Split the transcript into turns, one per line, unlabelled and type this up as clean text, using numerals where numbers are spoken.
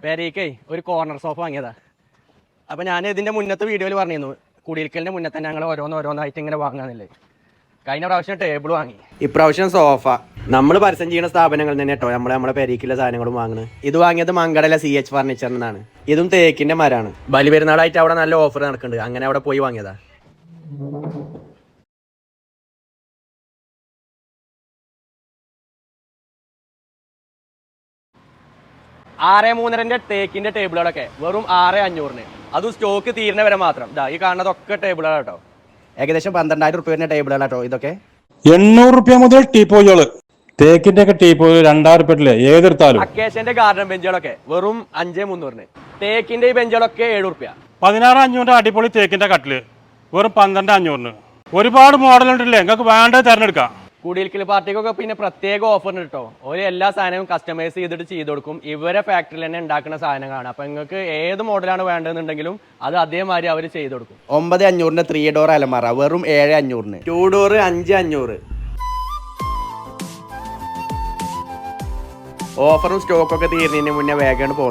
പേരേക്കേ ഒരു corner sofa വാങ്ങിയതാ. അപ്പം ഞാൻ ഇതിൻ്റെ മുന്നത്തെ വീഡിയോയിൽ പറഞ്ഞിരുന്നു കുടിയിരിക്കലിൻ്റെ മുന്നേ തന്നെ ഞങ്ങൾ ഓരോന്നായിട്ട് ഇങ്ങനെ വാങ്ങാന്നില്ലേ. കഴിഞ്ഞ പ്രാവശ്യം ടേബിൾ വാങ്ങി, ഇപ്രാവശ്യം സോഫ. നമ്മൾ പരസ്യം ചെയ്യുന്ന സ്ഥാപനങ്ങളിൽ തന്നെ കേട്ടോ നമ്മളെ പേരേക്കുള്ള സാധനങ്ങളും വാങ്ങുന്നത്. ഇത് വാങ്ങിയത് മങ്കടല CH ഫർണിച്ചറിൽ നിന്നാണ്. ഇതും തേക്കിൻ്റെ മരമാണ്. ബലിപെരുന്നാളായിട്ട് അവിടെ നല്ല ഓഫർ നടക്കുന്നുണ്ട്, അങ്ങനെ അവിടെ പോയി വാങ്ങിയതാ. 6,300 തേക്കിന്റെ ടേബിളുകളൊക്കെ വെറും 6,500. അതും സ്റ്റോക്ക് തീരുന്ന വരെ മാത്രം. ഈ കാണുന്നതൊക്കെ ടേബിളുകൾ കേട്ടോ. ഏകദേശം 12,000 റുപ്യ വരുന്ന ടേബിളുകൾ കേട്ടോ. ഇതൊക്കെ
800 റുപ്യ മുതൽ ടീപ്പോയികള്, തേക്കിന്റെ ഒക്കെ ടീപ്പോയിൽ 2,000 റുപ്യല്ലേ ഏതെടുത്താലും.
അക്കേഷ്യന്റെ ഗാർഡൻ ബെഞ്ചുകളൊക്കെ വെറും 5,300. തേക്കിന്റെ ഈ ബെഞ്ചുകളൊക്കെ 7 റുപ്യ.
16,500 അടിപൊളി തേക്കിന്റെ കട്ടില് വെറും 12,500. ഒരുപാട് മോഡൽ ഉണ്ടല്ലേ, നിങ്ങൾക്ക് വേണ്ടത് തിരഞ്ഞെടുക്കാം.
കുടിയിരിക്കൽ പാർട്ടിക്കൊക്കെ പിന്നെ പ്രത്യേക ഓഫർ കിട്ടോ. ഒരു എല്ലാ സാധനവും കസ്റ്റമൈസ് ചെയ്ത് കൊടുക്കും. ഇവരെ ഫാക്ടറിയിൽ തന്നെ ഉണ്ടാക്കുന്ന സാധനങ്ങളാണ്. അപ്പം നിങ്ങൾക്ക് ഏത് മോഡലാണ് വേണ്ടതെന്നുണ്ടെങ്കിലും അത് അതേമാതിരി അവർ ചെയ്ത് കൊടുക്കും. 9,500 3 ഡോർ അലമാറ വെറും 7,500. 2 ഡോർ 5,500. ഓഫറും സ്റ്റോക്കൊക്കെ തീരുന്നതിന് മുന്നേ വേഗം